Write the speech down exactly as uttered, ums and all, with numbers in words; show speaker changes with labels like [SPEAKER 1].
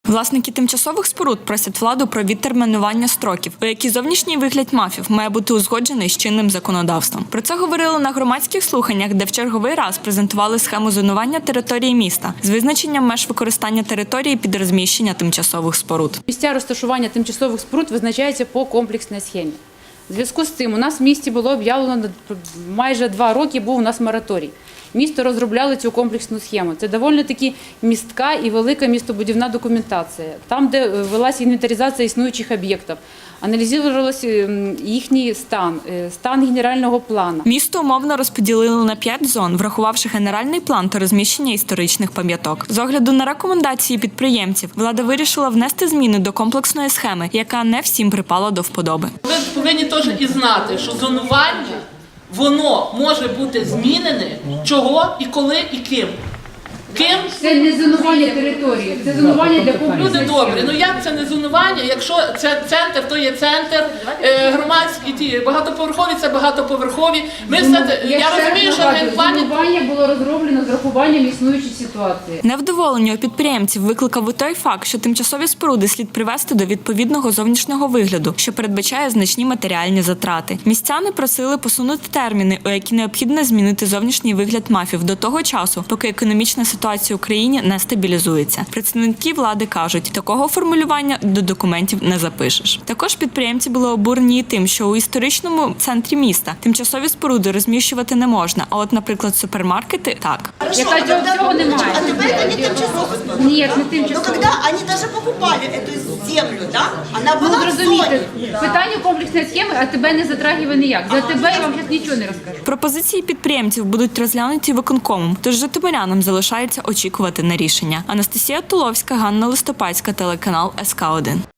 [SPEAKER 1] Власники тимчасових споруд просять владу про відтермінування строків, у які зовнішній вигляд МАФів має бути узгоджений з чинним законодавством. Про це говорили на громадських слуханнях, де в черговий раз презентували схему зонування території міста з визначенням меж використання території під розміщення тимчасових споруд.
[SPEAKER 2] Місця розташування тимчасових споруд визначається по комплексній схемі. У зв'язку з цим у нас в місті було об'явлено, майже два роки був у нас мораторій. Місто розробляли цю комплексну схему. Це доволі таки містка і велика містобудівна документація. Там, де велася інвентаризація існуючих об'єктів, аналізувався їхній стан, стан генерального плану.
[SPEAKER 1] Місто умовно розподілили на п'ять зон, врахувавши генеральний план та розміщення історичних пам'яток. З огляду на рекомендації підприємців, влада вирішила внести зміни до комплексної схеми, яка не всім припала до вподоби.
[SPEAKER 3] Ви повинні теж і знати, що зонування, воно може бути змінене, чого і коли і ким. Ким?
[SPEAKER 2] Це не зонування території, це зонування для комплексної
[SPEAKER 3] Люди
[SPEAKER 2] схеми.
[SPEAKER 3] добрі, ну як це не зонування, якщо це центр, то є центр, е, громадські ті, багатоповерхові це багатоповерхові. Ми все це, я розумію, що в плані...
[SPEAKER 2] Зонування було розроблено з врахуванням існуючої ситуації.
[SPEAKER 1] Невдоволення у підприємців викликав і той факт, що тимчасові споруди слід привести до відповідного зовнішнього вигляду, що передбачає значні матеріальні затрати. Містяни просили посунути терміни, у які необхідно змінити зовнішній вигляд МАФів до того часу, поки економічна ситуація в Україні не стабілізується. Представники влади кажуть, такого формулювання до документів не запишеш. Також підприємці були обурені тим, що у історичному центрі міста тимчасові споруди розміщувати не можна, а от, наприклад, супермаркети – так.
[SPEAKER 4] Хорошо,
[SPEAKER 2] Яка
[SPEAKER 4] а тогда,
[SPEAKER 2] цього немає.
[SPEAKER 4] а тогда это не тимчасовый спорт.
[SPEAKER 2] Ні, не
[SPEAKER 4] Но
[SPEAKER 2] тимчасово.
[SPEAKER 4] когда они даже покупали эту землю, да, она
[SPEAKER 2] Ну,
[SPEAKER 4] была в
[SPEAKER 2] зрозумієте,
[SPEAKER 4] зоне.
[SPEAKER 2] питання комплексної схеми, а тебе не затрагиває ніяк. За тебе я вам зараз нічого не розкажу.
[SPEAKER 1] Пропозиції підприємців будуть розглянуті виконкомом, тож житомирянам залишається очікувати на рішення. Анастасія Туловська, Ганна Листопадська, телеканал ес ка один.